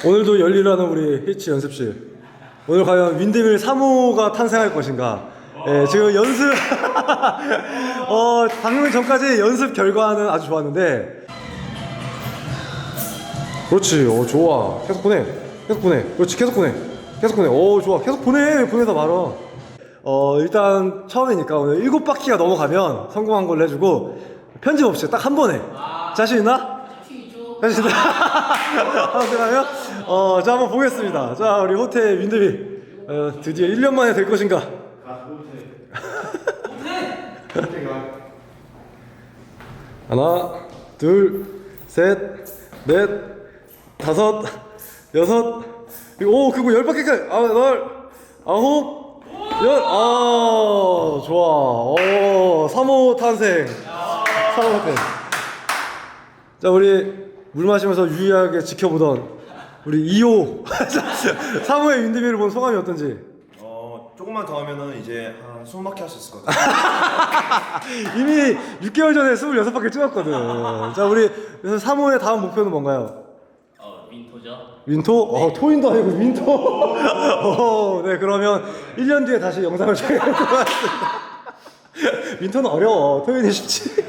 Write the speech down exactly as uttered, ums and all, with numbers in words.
오늘도 열일하는 우리 히치 연습실. 오늘 과연 윈드밀 삼 호가 탄생할 것인가. 예, 지금 연습 어, 방금 전까지 연습 결과는 아주 좋았는데. 그렇지. 어, 좋아. 계속 보내. 계속 보내. 그렇지. 계속 보내. 계속 보내. 오, 좋아. 계속 보내. 보내다 말아. 어, 일단 처음이니까 오늘 일곱 바퀴가 넘어가면 성공한 걸로 해주고 편집 없이 딱 한 번에. 자신 있나? 자신 있나? 한번 생각하면? 어, 자, 한번 보겠습니다. 자, 우리 호텔 윈드밀. 어, 드디어 일 년 만에 될 것인가? 하나, 둘, 셋, 넷, 다섯, 여섯, 오, 그리고 열 바퀴까지. 아, 열, 아홉, 열. 아, 좋아. 오, 삼 호 탄생. 삼 호 탄생. 자, 우리 물 마시면서 유의하게 지켜보던 우리 이 호 삼 호의 윈드밀을 본 소감이 어떤지? 어, 조금만 더 하면은 이제 한 스무 바퀴 할 수 있을 것 같아요. 이미 육 개월 전에 스물여섯 바퀴 찍었거든. 자, 우리 그래서 삼 호의 다음 목표는 뭔가요? 어, 윈토죠. 윈토? 어, 토인도 아니고 윈토. 어, 네, 그러면 일 년 뒤에 다시 영상을 촬영할 것 같습니다. 윈토는 어려워. 토인이 쉽지.